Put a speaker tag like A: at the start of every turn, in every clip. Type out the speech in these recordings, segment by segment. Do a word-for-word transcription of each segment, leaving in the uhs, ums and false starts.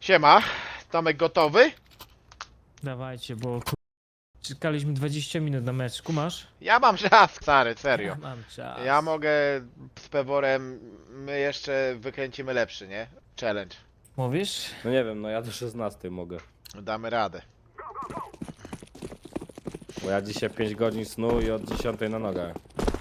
A: Siema, Tomek gotowy?
B: Dawajcie, bo ku... czekaliśmy dwadzieścia minut na mecz. Kumasz?
A: Ja mam czas, stary, serio.
B: Ja mam czas.
A: Ja mogę z Peworem, my jeszcze wykręcimy lepszy, nie? Challenge.
B: Mówisz?
C: No nie wiem, no ja do szesnastej mogę.
A: Damy radę.
C: Bo ja dzisiaj pięć godzin snu i od dziesiątej na nogach.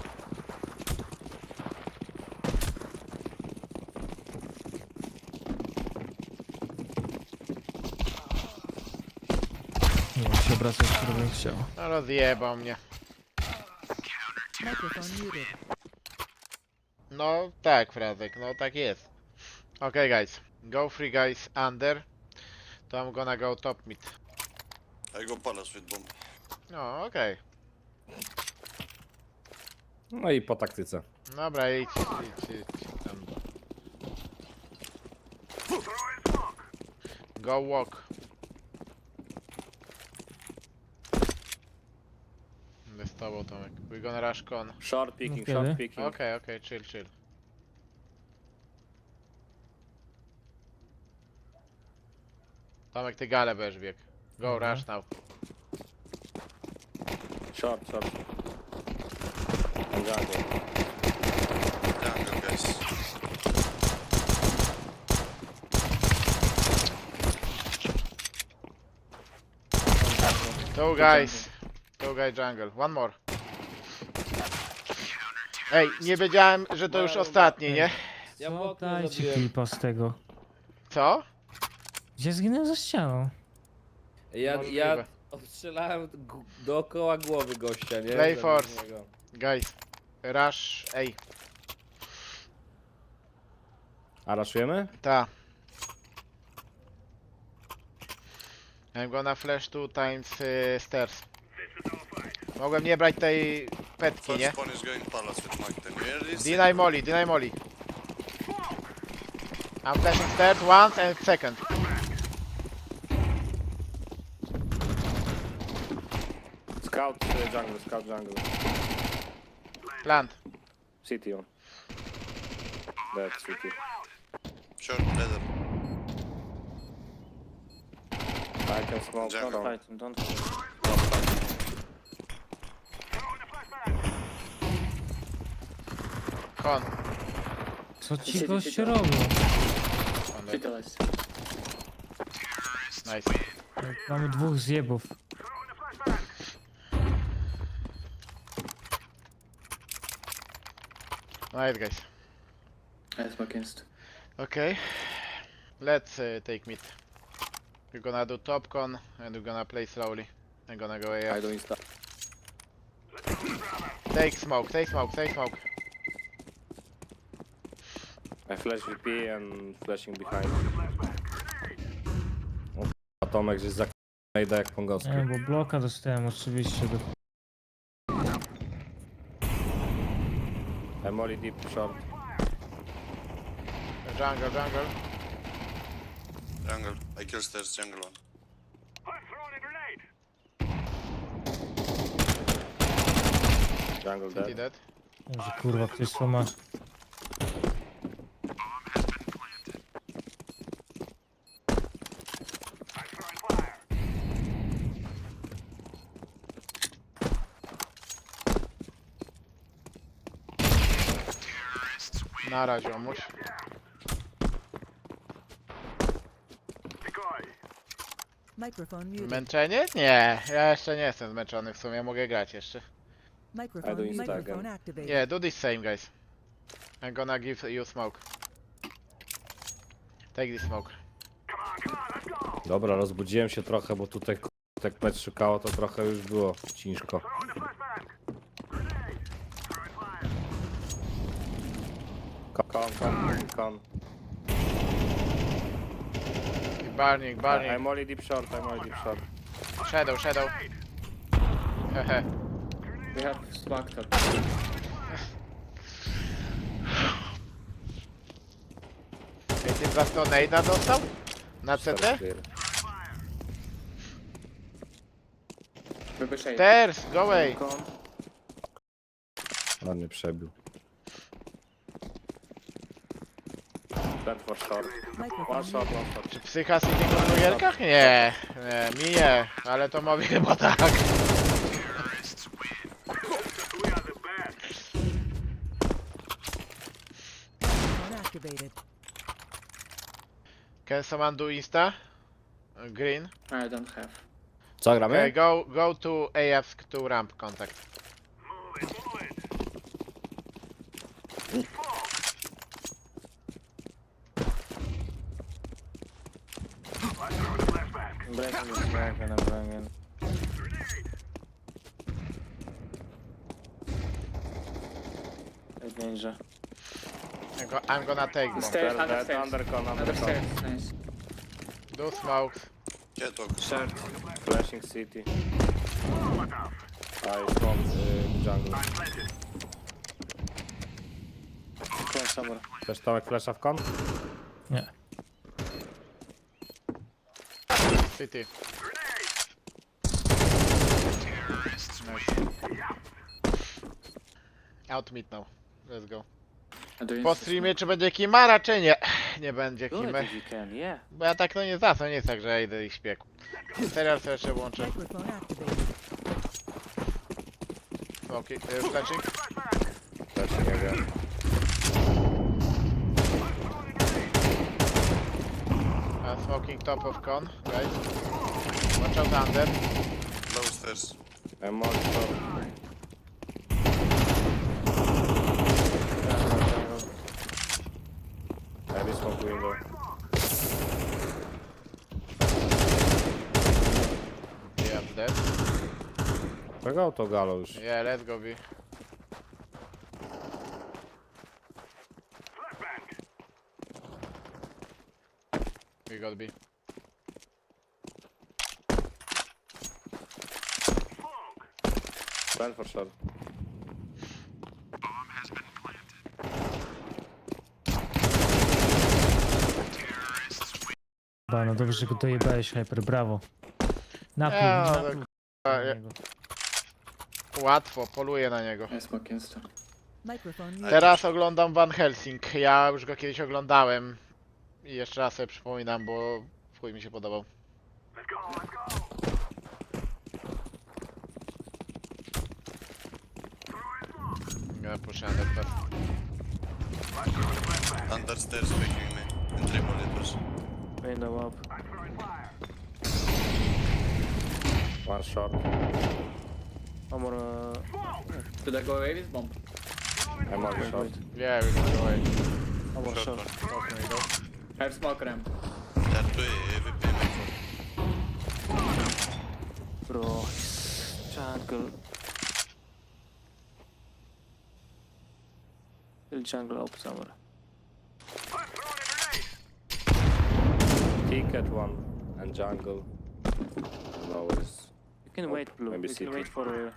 B: Nie wiem, się obracać, który bym chciał.
A: No rozjebał mnie.
D: Microphone muted.
A: No tak, Frazek, no tak jest. Okay guys, go free guys under. To I'm gonna go top mid.
E: I go palace with bomb.
A: No okej.
C: No i po taktyce.
A: Dobra, idź, idź, idź. Tam. Go walk. Będę z tobą, Tomek. We gonna rush con.
C: Short picking,
B: No
C: short
B: kiedy?
C: picking.
A: Okej, okej, chill, chill. Tomek, ty galę będziesz bieg. Go,
B: Dobra.
A: rush now.
C: Short, short. On jungle.
E: Jungle, guys.
A: Two guys. Two guy jungle. One more. Ej, nie wiedziałem, że to już ostatni, nie?
C: Ja w
B: Co?
C: okno
B: Dajcie
C: zabiłem.
B: klipa z tego.
A: Co?
B: Gdzie zginąłem za ścianą?
C: Ja,
A: Możliwe.
C: ja strzelałem g- dookoła głowy gościa, nie?
A: Play
C: Zamiast
A: force.
C: niego.
A: Guys. Rush. Ej,
C: A raszujemy?
A: ta. I'm gonna flash two times y, stairs. Mogłem nie brać tej petki,
E: First
A: nie?
E: one is going palace with Mike. Then you hear this?
A: Deny molly, deny molly. I'm flashing stairs once and second.
C: Scout y, jungle, scout jungle.
A: Plant.
C: City on. Dead city.
E: Short leather.
C: I can smoke.
E: Jungle.
C: Don't fight him, don't fight him.
A: Con.
B: Co ci goście robią?
A: Con dead. Nice.
B: Mamy dwóch zjebów.
A: Nice guys.
F: Nice against.
A: Okay. Let's uh, take mid. We're gonna do top con and we're gonna play slowly. I'm gonna go
C: I
A: A.
C: do insta.
A: Take smoke, take smoke, take smoke.
C: I flash V P and flashing behind. O, a Tomek gdzieś za k***a jak pongowski.
B: Nie, bo bloka dostałem oczywiście. Do...
C: I'm only deep short.
A: Jungle, jungle.
E: Jungle. I kill stairs, jungle one.
C: Jungle
A: City
C: dead.
A: dead.
B: Może kurwa, ktoś co ma.
A: Na razie, omuś.
D: Microphone muted.
A: Męczenie? Nie, ja jeszcze nie jestem zmęczony w sumie, mogę grać jeszcze.
D: Microphone,
C: do Insta
D: microphone
C: again.
D: activated.
A: Yeah, do this same guys. I'm gonna give you smoke. Take this smoke.
C: Dobra, rozbudziłem się trochę, bo tutaj k***, jak mecz szukało, to trochę już było ciężko. Kon, kon, kon.
A: Burning, burning.
C: I'm only deep short, I'm only deep short.
A: Shadow, shadow. Hehe.
F: We have smacked up.
A: Ej, ty za to nade'a dostał? Na C T?
C: Clear.
F: Maybe shade.
A: Stairs, go away.
F: Con.
C: On mnie przebił. Stand for short. One
D: Microphone
C: short,
D: muted.
C: one short.
A: Czy psycha City w hamburgerkach? Nie, nie, mi nie, ale to mówi chyba tak.
D: Microphone activated.
A: Can someone do Insta? Uh, Green.
F: I don't have.
C: Co
A: Okay,
C: gramy?
A: go, go to A F to ramp contact.
G: Breaking is back and I'm bringing. Eight ninja.
A: I'm, go, I'm gonna take bomb.
F: Stairs,
C: Under
F: under stairs.
C: undercon,
F: Under
C: undercon.
F: stairs, nice.
A: Do smokes.
E: Catwalk.
G: Short.
C: Flashing city. I from y, jungle.
G: Close somewhere.
C: Też Tomek flasha w kon?
B: Nie.
A: City. Nice. Out mid now. Let's go.
F: I do
A: Po
F: insta
A: streamie czy będzie Kimara, czy nie? Nie będzie
G: Do it
A: Kimy.
G: if you can, yeah.
A: Bo ja tak no nie za, to nie jest tak, że ja idę i śpię. Serial sobie jeszcze włączę.
D: Microphone activated.
A: Smoki, y, flashing.
C: Też nie wiem.
A: Uh, smoking top of con, guys. Watch out under.
E: Low stairs.
C: I'm on short. Heavy smoke window.
A: Yeah, dead.
C: Czego to galo już?
A: Yeah, let's go B. We got B.
C: Stand for short.
B: Ba, no dobrze, że go dojebałeś, Hyper, brawo. Napój,
A: Ja, no,
B: napój.
A: A, ja- Łatwo, poluję na niego.
F: I smoke insta.
D: Microphone muted.
A: Teraz oglądam Van Helsing. Ja już go kiedyś oglądałem. I jeszcze raz sobie przypominam, bo w chuj mi się podobał. Gonna push under first.
E: Under stairs picking me. In triple it was.
G: Window up.
C: One short.
G: One more. Uh,
F: Should I go away with bomb?
C: I'm on
G: wait,
C: short.
G: wait.
A: Yeah, we can go away.
G: One more
E: Short
G: short.
E: one.
A: Open we go.
F: I have smoke ramp.
E: They're two A V P mid.
G: Bro, he's jungle. Still jungle up somewhere.
C: Ticket one and jungle. No worries.
G: You can
C: Oh,
G: wait, Blue.
C: maybe
G: You
C: city.
G: can wait for. Uh,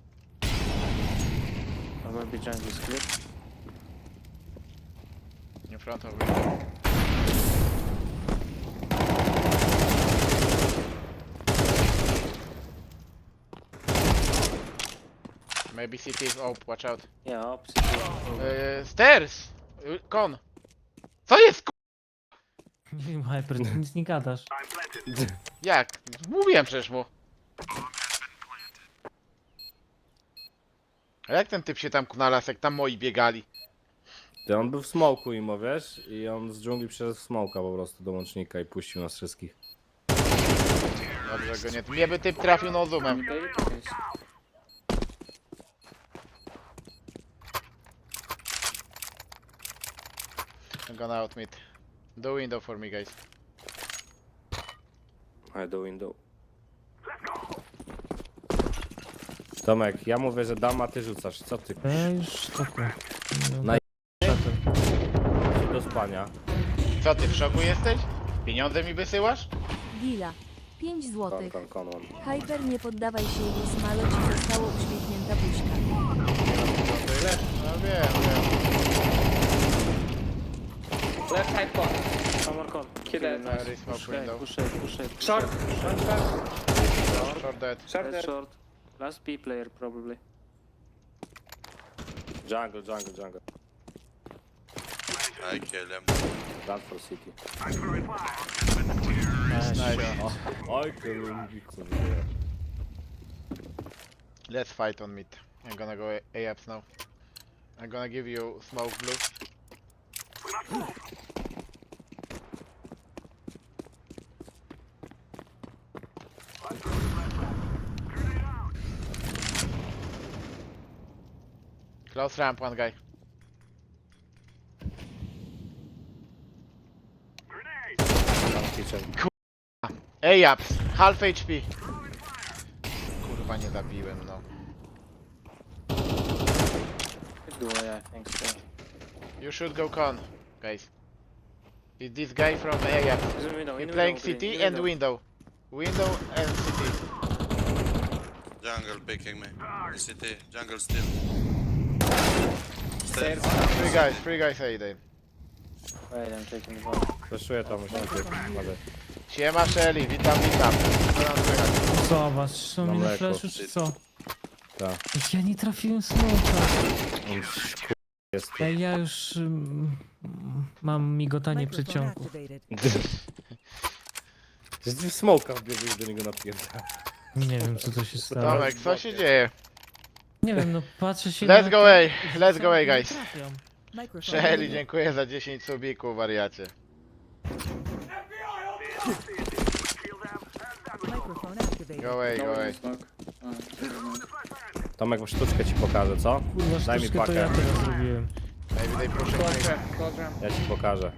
G: or maybe jungle is clear.
A: In front of me. Maybe city is op, watch out.
G: Yeah, opposite.
A: Yy, stairs! Yy, Kon! Co jest k***?
B: Nie wiem, Hyper, ty nic nie gadasz.
A: Jak? Mówiłem przecież mu. A jak ten typ się tam kunalał, jak tam moi biegali?
C: Ty, on był w smoku imo, wiesz? I on z dżungli przeszedł w smoka po prostu do łącznika i puścił nas wszystkich.
A: Dobrze go nie... Mnie by typ trafił no zoomem.
F: Okay, okay.
A: I'm gonna out mid. Do window for me, guys.
C: I do window. Tomek, ja mówię, że dam, a ty rzucasz. Co ty?
B: No ja już spoko.
C: Na-
B: Szaty.
C: Do spania.
A: Co ty, w szoku jesteś? Pieniądze mi wysyłasz?
H: Gila. pięć
C: Kon,
H: złotych.
C: kon, kon, one.
H: Hyper, nie poddawaj się, jest malo, ci zostało uśmiechnięta buźka.
A: No wiem, wiem.
F: Left side con.
G: One more con.
F: Kill that.
A: Very smoke
G: Push A,
A: window.
G: push A, push A. push
F: Short.
G: A.
F: Short, short.
A: Short dead.
F: Short
G: That's
F: there.
G: short. Last B player probably.
C: Jungle, jungle, jungle.
E: I kill him.
C: Run for city.
A: Nice.
C: Oj, kurwa.
A: Let's fight on mid. I'm gonna go A- A-ups now. I'm gonna give you smoke blue. Close ramp, one guy.
C: Tam kitchen.
A: A-ups, half H P. Kurwa, nie zabiłem, no.
G: Could go, yeah, I think so.
A: You should go con, guys. Is this guy from A-ups?
G: He's in window,
A: He
G: in
A: playing
G: window,
A: city
G: in
A: and window. Window and city.
E: Jungle picking me. In city. Jungle still.
F: Stairs.
E: Stairs.
A: Three guys, three guys A day.
G: Wait, I'm taking the ball.
C: Flashuję tam, już najpierw. Ale
A: Siema Shelly, witam, witam. Co nam słychać?
B: Zobacz, są
C: Na
B: mi na
C: mleko.
B: flashu czy co?
C: tak.
B: Ja nie trafiłem smoka.
C: On kur- jest tu.
B: Ej, ja już mm, mam migotanie
D: Microphone
B: przeciągu.
D: activated.
C: Jest w smoka wbiegł do niego napierdala.
B: Nie wiem co to się stało.
A: Tomek, co się dzieje?
B: Nie wiem, no patrzę się
A: Let's
B: na...
A: go A, let's go A,
B: Nie
A: guys.
B: trafiam.
D: Microphone
A: Shelly,
D: muted.
A: dziękuję za dziesięć subików, wariacie.
D: Microphone activated.
A: Go A,
F: No
A: go
F: one
A: A.
F: in smoke. Oh,
C: Tomek, sztuczkę ci pokażę, co?
B: Kurwa,
C: Daj mi
B: sztuczkę to ja
C: pakę.
B: teraz zrobiłem.
A: Maybe they push
F: close
A: mid.
F: ramp, close ramp.
C: Ja ci pokażę.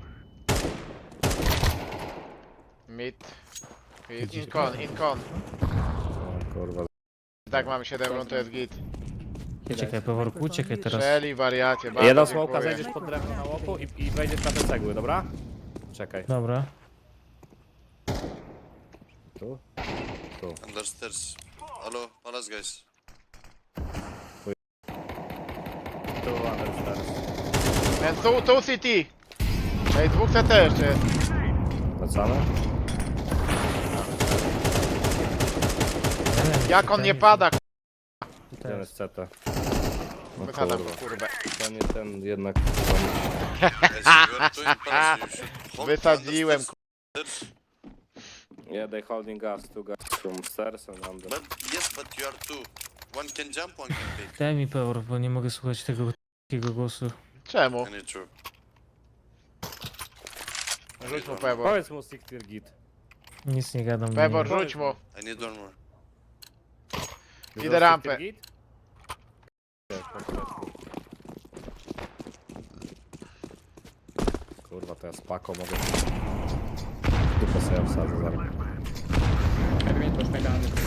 A: Mid. In con, in con.
C: O kurwa.
A: Tak, mamy siedem rund, to jest git.
B: Uciekaj, Peworku, uciekaj teraz.
A: Shelly, wariacie, bardzo
C: Jedną smoka
A: dziękuję.
C: zejdziesz pod drewno na łoku i, i wejdziesz na te cegły, dobra? Czekaj.
B: Dobra.
C: Tu? Tu.
E: Under stairs. Hello, palace guys.
C: Tu, understairs.
A: And tu, tu city. Ej, dwóch C T jeszcze jest.
C: Wracamy?
A: Jak on nie pada, k***a.
B: Tutaj
C: Jeden
B: jest.
C: jest C T. No
A: Wychadzam
C: kurwa.
A: go, kurwę.
C: To nie ten jednak...
E: Guys, you are two in palace. You should hold
A: Wysadziłem,
E: under stairs.
C: Yeah, they holding us, two guys from stairs and under.
E: But yes, but you are two. One can jump, one can pick.
B: Daj mi Pewor, bo nie mogę słuchać tego takiego głosu.
A: Czemu?
E: I need to.
A: Rzuć mu Pebor.
C: Powiedz mu Siktir Git.
B: Nic nie gadam. do
A: Pebor,
B: niego.
A: rzuć mu.
E: I need one more.
A: Idę rampę.
C: Kurwa, to ja z paką mogę... Dupę sobie wsadzę zaraz.
F: Maybe mid push, maybe under.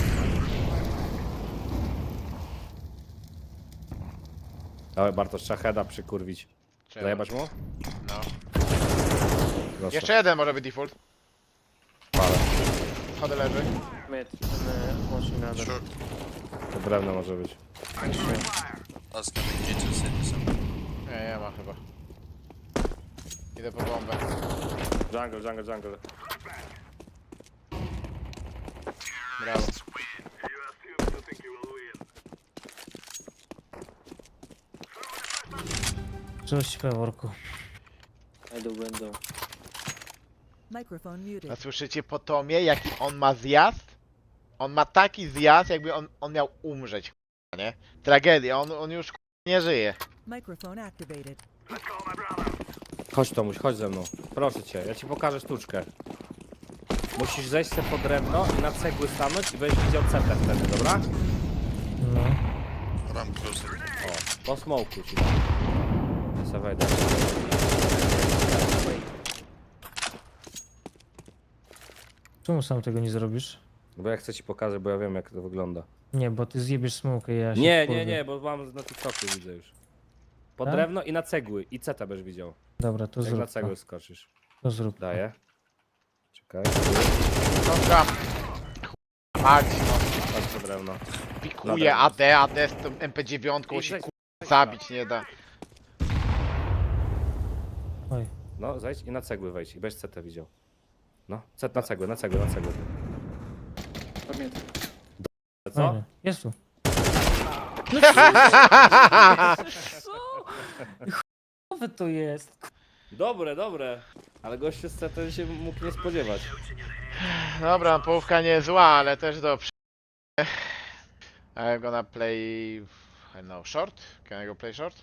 C: Dawaj Bartosz, trzeba heada przykurwić.
A: Czemu?
C: Zajebać mu?
A: No.
C: Proszę.
A: Jeszcze jeden może być default.
C: Palę.
A: Schody leży.
G: Mid, and uh, watching under.
E: Sure.
C: To drewno może być.
E: Ask him in kitchen city somewhere.
A: Nie, nie ma chyba. Idę po bombę.
C: Jungle, jungle, jungle.
A: Brawo.
B: Cześć Peworku.
G: I do window.
D: Microphone
A: A
D: muted.
A: słyszycie po Tomie, jaki on ma zjazd? On ma taki zjazd, jakby on, on miał umrzeć, k***a, nie? Tragedia, on, on już k***a, nie żyje.
D: Microphone activated.
C: Chodź Tomuś, chodź ze mną. Proszę cię, ja ci pokażę sztuczkę. Musisz zejść sobie po drewno i na cegły stanąć i będziesz widział cetę wtedy, dobra?
B: No.
E: Ramp closer.
C: O, po smoku ci dam. Ja sobie wejdę.
B: Czemu sam tego nie zrobisz?
C: Bo ja chcę ci pokazać, bo ja wiem jak to wygląda.
B: Nie, bo ty zjebiesz smokę i ja się
C: Nie,
B: wkurwię.
C: nie, nie, bo mam na TikToku widzę już. Po
B: Tak?
C: drewno i na cegły. I cetę będziesz widział.
B: Dobra, to
C: Jak na
B: zrób
C: cegły
B: to.
C: skoczysz.
B: To zrób to.
C: Daję. Czekaj.
A: Dobra. Mać, no.
C: Chodź po drewno.
A: Pikuje A D, A D z tą M P dziewięć,
C: I
A: się
C: zejdź-
A: k***a, zabić nie da.
B: Oj.
C: No, zejdź i na cegły wejdź i będziesz cetę widział. No, cet na cegły, na cegły, na cegły.
F: Top mid.
C: Co?
B: Fajnie. Jest tu. Co? Chujowe to jest.
C: Dobre, dobre. Ale gościu z C T się mógł nie spodziewać.
A: Dobra, połówka nie jest zła, ale też do przy... I'm gonna play... I don't know, short? Can I go play short?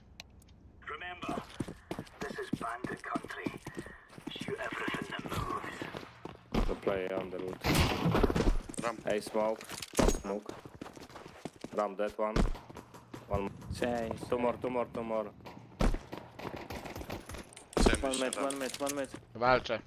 C: To play Underwood.
E: Ram.
C: Hey, smoke. One smoke. Ram that one. One.
G: Change.
C: Two more, two more, two more.
E: Same
G: One
E: mission,
G: mid,
E: Ram.
G: one mid, one mid.
A: Walczę.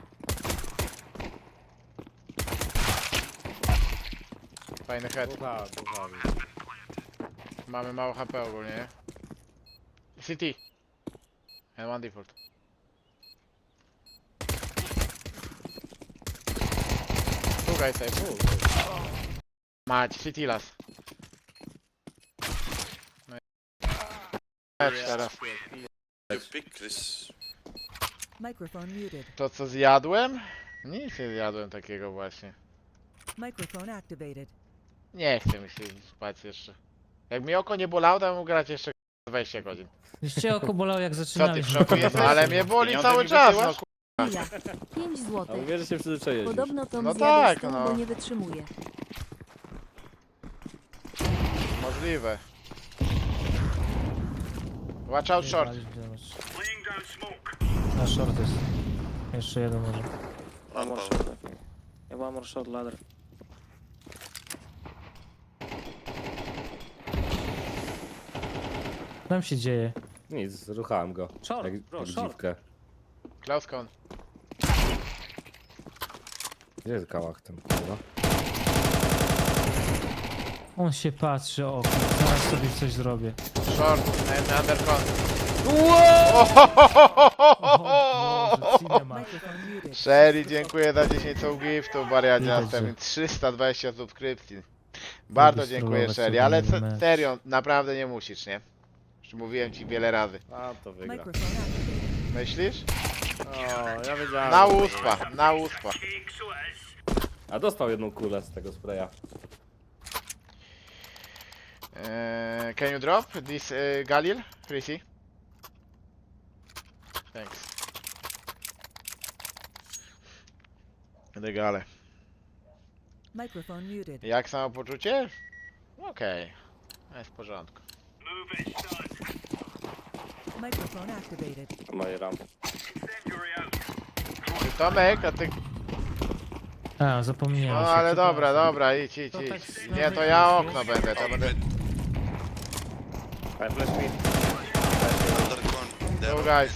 A: Fajny head.
C: Słuchaj, słuchaj.
A: Mamy mało H P ogólnie, nie? C T. And one default. Two guys save. Mać, C T las. No i... Lecz teraz.
E: You pick this.
D: Microphone muted.
A: To co zjadłem? Nic nie zjadłem takiego właśnie.
D: Microphone activated.
A: Nie chce mi się spać jeszcze. Jak mi oko nie bolało, to bym mógł grać jeszcze dwadzieścia godzin.
B: Już cię oko bolało jak
A: Co ty
B: zaczynaliśmy.
A: w szoku jesteś? Ale mnie boli cały czas, no ku...
H: Chwila. pięć
C: A
H: złotych.
C: mówię, że się przyzwyczaiłeś już.
H: Podobno Tom
A: No
H: zjada
A: tak,
H: stół,
A: no.
H: bo nie wytrzymuje.
A: Możliwe. Watch out short.
B: Na short jest. Jeszcze jeden może.
G: One more short, I think. Yeah, one more short ladder.
B: Co tam się dzieje?
C: Nic, ruchałem go.
B: Short,
C: jak,
B: bro,
C: jak
B: short.
C: dziwkę.
A: Close con.
C: Gdzie jest kałach ten, kurwa?
B: On się patrzy o okno. Zaraz sobie coś zrobię.
A: Short and under con.
B: O Boże, cinema.
D: Microphone muted.
A: Sherry, dziękuję za dziesięć soul giftów, Bariadzia,
B: Widać, że-
A: trzysta dwadzieścia subskrypcji. Bardzo
B: Lubisz
A: dziękuję
B: trollować
A: Sherry,
B: sobie
A: ale
B: na
A: se-
B: mecz.
A: serio, naprawdę nie musisz, nie? Już mówiłem ci wiele razy.
C: A, to wygra.
D: Microphone activated.
A: Myślisz?
C: O, ja wiedziałem.
A: Na
C: że to
A: uspa, na uspa.
C: wygra. A dostał jedną kulę z tego spraya.
A: Eee, can you drop this uh, Galil, Chrissy? Thanks. Regale.
D: Microphone muted.
A: Jak samopoczucie? Okej. Jest w porządku.
D: Microphone activated.
C: Moje ram.
A: Ty, Tomek, a ty...
B: A, zapomniałem.
A: No
B: się,
A: ale
B: przepraszam.
A: dobra, dobra, idź, idź,
B: To tak
A: idź.
B: z
A: Nie, to
B: nowej
A: ja
B: wersji.
A: okno będę, to będę...
C: Hey, flash me.
E: Under con. There.
A: Go guys.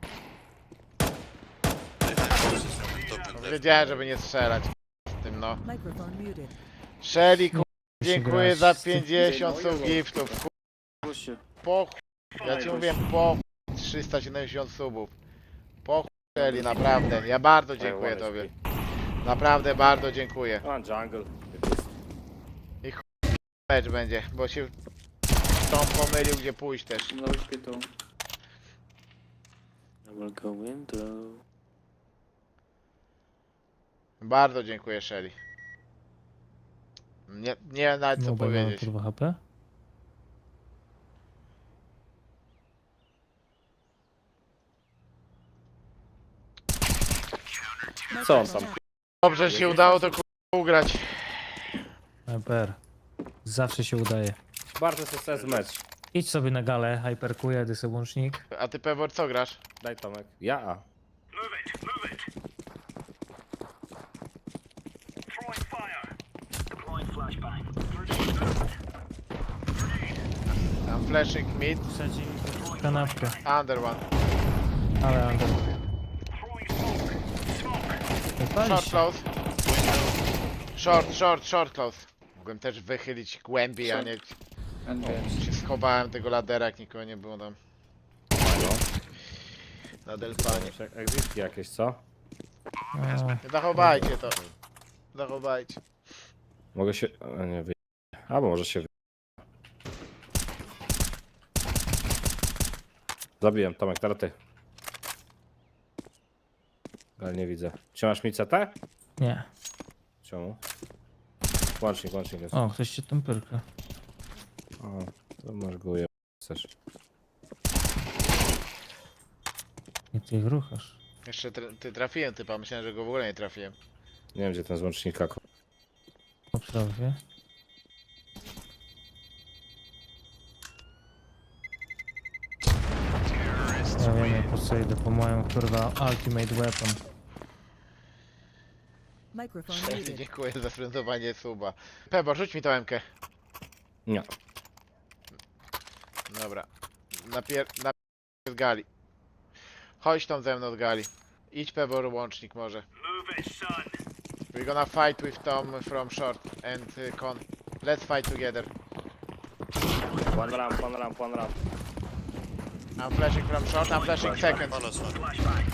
E: Behind houses on top and left.
A: Wiedziałem, żeby nie strzelać z tym, no.
D: Microphone muted.
A: Shelly, ku...
B: Musi
A: dziękuję
B: grać
A: za
B: z tym-
A: pięćdziesiąt sub giftów, ku...
G: Push you.
A: po chuj. Ja ci mówię, po chuj. trzysta siedemdziesiąt subów. Po chuj, Shelly, naprawdę. Ja bardzo dziękuję
C: Hey,
A: tobie. Naprawdę bardzo dziękuję.
C: A, jungle.
A: Mecz będzie, bo się Tom pomylił, gdzie pójść też.
F: Low H P too.
G: I will go window.
A: Bardzo dziękuję, Shelly. Nie, nie nawet co
B: No, bo mam
A: powiedzieć.
B: kurwa H P.
C: Co on tam?
A: Dobrze się udało to ku... ugrać.
B: E P R. Zawsze się udaje.
C: Bardzo sukces mecz.
B: Idź sobie na galę, hyperkuję, ty sobie łącznik.
A: A ty, Pewor, co grasz?
C: Daj Tomek. Ja.
A: Tam flashing mid,
B: Trzeci kanapkę,
A: under one.
B: ale under. Pali
A: Short
B: się.
A: close. Short, short, short close. Mogłem też wychylić głębiej, a nie...
F: And
A: O,
F: bears.
A: się schowałem tego ladera, jak nikogo nie było tam. Na delfanie.
C: Exitki jakieś, co?
B: A,
A: Zachowajcie to. Zachowajcie.
C: Mogę się... A nie, wy... Albo może się wy... Zabiłem, Tomek, teraz ty. Ale nie widzę. Trzymasz mi C T?
B: nie.
C: Czemu? Łącznik, łącznik jest.
B: O, ktoś się tam pyrka.
C: O, to masz go je... Chcesz.
B: Nie Ty ich ruchasz.
A: Jeszcze tra ty trafiłem typa, myślałem, że go w ogóle nie trafiłem.
C: Nie wiem, gdzie ten z łącznika. ko-
B: Po prawie. Ja wiem, ja po co idę po moją kurwa ultimate weapon.
D: Microphone muted.
A: Dziękuję za sprintowanie suba. Pebo, rzuć mi tą emkę.
C: Nie.
A: Dobra. Napier... Napier... z gali. Chodź tam ze mną z gali. Idź Pebor łącznik może. We're gonna fight with Tom from short and uh, con. Let's fight together.
C: One ramp, one ramp, one ramp.
A: I'm flashing from short, I'm flashing second.
E: Palace one.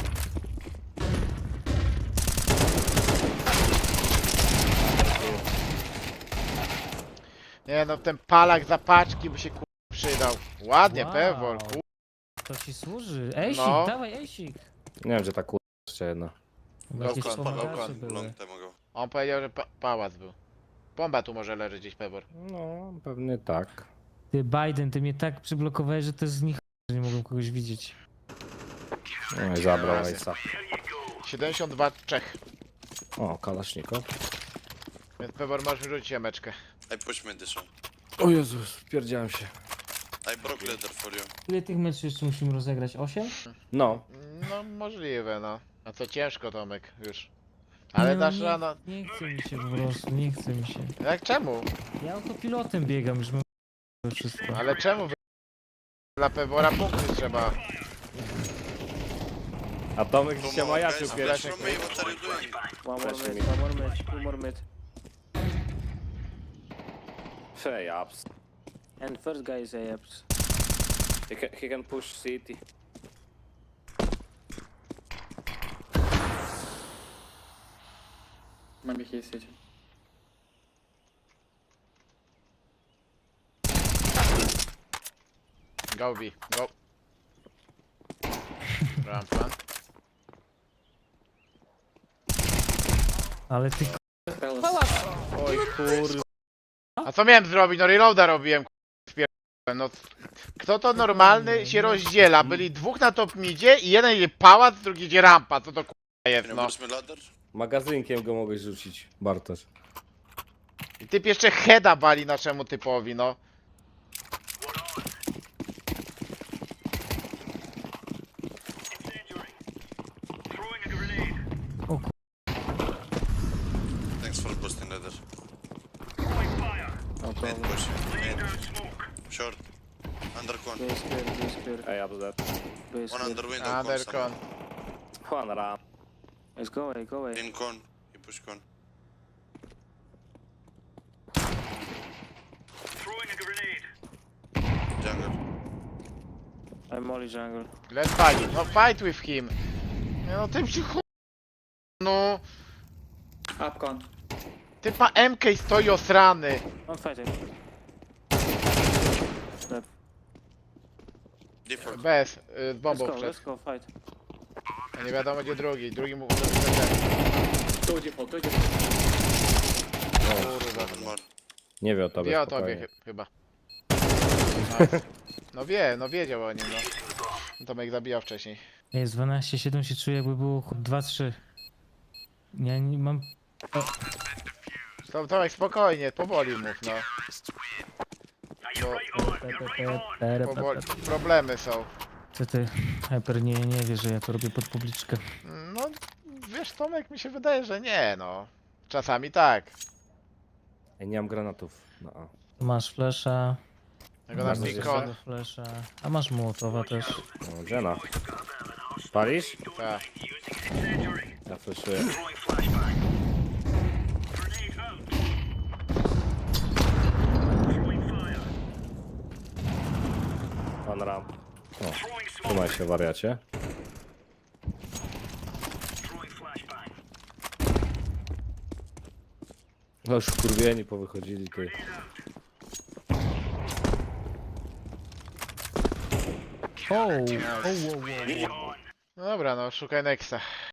A: Nie no, ten palak za paczki by się ku... przydał. Ładnie,
B: Wow.
A: Pebor, ku...
B: To ci służy. Ejsik,
A: No.
B: dawaj ejsik.
C: Nie wiem, gdzie ta kurwa jeszcze jedna.
B: Chyba jakieś
A: Low con,
B: pomagacze
A: low con,
B: były.
E: Long time ago.
A: On powiedział, że pa pałac był. Bomba tu może leży gdzieś, Pebor.
C: No, pewnie tak.
B: Ty Biden, ty mnie tak przyblokowałeś, że to jest z nich, że nie mogłem kogoś widzieć.
C: No i zabrał Ace'a.
A: siedemdziesiąt dwa Czech.
C: O, kalaszniko.
A: Więc Pebor możesz wyrzucić jameczkę.
E: I push me this one.
C: O Jezus, wpierdziałem się.
E: I broke leather for you.
B: Ile tych meczów jeszcze musimy rozegrać? osiem?
C: No,
A: No możliwe no. A co ciężko Tomek już. Ale
B: no,
A: dasz
B: nie,
A: rano.
B: Nie chce mi się po prostu, nie chce mi się.
A: Jak czemu?
B: Ja autopilotem biegam, już mam wszystko.
A: Ale czemu wy... Dla Pebora punkty trzeba.
C: a Tomek
E: Come
C: się
E: on,
C: majaczył
E: guys,
C: pierwszy.
E: flash from me, what are you doing?
G: One more
C: Flashing
G: mid, one more mid, two more mid.
C: Fej, ups.
G: And first guy is A ups.
C: He can, he can push city.
F: Maybe he's city.
A: Go B, go. Rampa.
B: Ale ty
F: Palace.
C: Oj kur...
A: A co miałem zrobić? No reloada robiłem, k***, spierdolę, no. Kto to normalny się rozdziela? Byli dwóch na top midzie i jeden idzie pałac, drugi idzie rampa. Co to k***a jest,
E: Can you
A: no.
E: push me ladder?
C: Magazynkiem go mogłeś rzucić, Bartosz.
A: I typ jeszcze heada wali naszemu typowi, no.
E: Thanks for boosting ladder.
G: No
E: Mid
G: problem.
E: push. Mid. Short. Under con.
G: B is clear, B is clear,
C: Ej, ja do that.
G: B is
E: One
G: clear.
E: under window. Con
A: Undercon.
E: somewhere.
C: One ramp.
G: Let's go away, go away.
E: In con. He push con. Jungle.
G: I'm molly jungle.
A: Let's fight. No fight with him. Nie, no tym się ch... No.
F: Up con.
A: Typa M K stoi osrany.
G: One fighting.
E: Default.
A: Bez, y, z
G: Let's
A: bombą
G: go,
A: wszedł.
G: let's go, fight.
A: A nie wiadomo gdzie drugi. Drugi mu...
F: Two default, two default.
A: Kurwa.
E: One more.
C: Nie wie o tobie,
A: Wie o tobie
C: spokojnie.
A: chy- chyba. No wie, no wiedział o nim, no. Tomek zabijał wcześniej.
B: jest dwanaście siedem, się czuję jakby było dwa trzy. Ja nie mam...
A: To, Tomek spokojnie, powoli mów, no. Bo powoli, problemy są.
B: Co ty, Hyper, nie, nie wie, że ja to robię pod publiczkę.
A: No, wiesz Tomek, mi się wydaje, że nie, no. Czasami tak.
C: Ej, nie mam granatów. No. a.
B: Masz flesza,
A: Tego na
C: Masz
A: pikon.
B: flesza, a masz mołotowa też.
C: No, Jenna. Palisz?
A: Tak.
C: Ja fleszuję. Pan ramp. O, trzymaj się, wariacie. No już wkurwieni powychodzili, ty.
B: O, o, o, o, o.
A: No dobra, no, szukaj Nexa.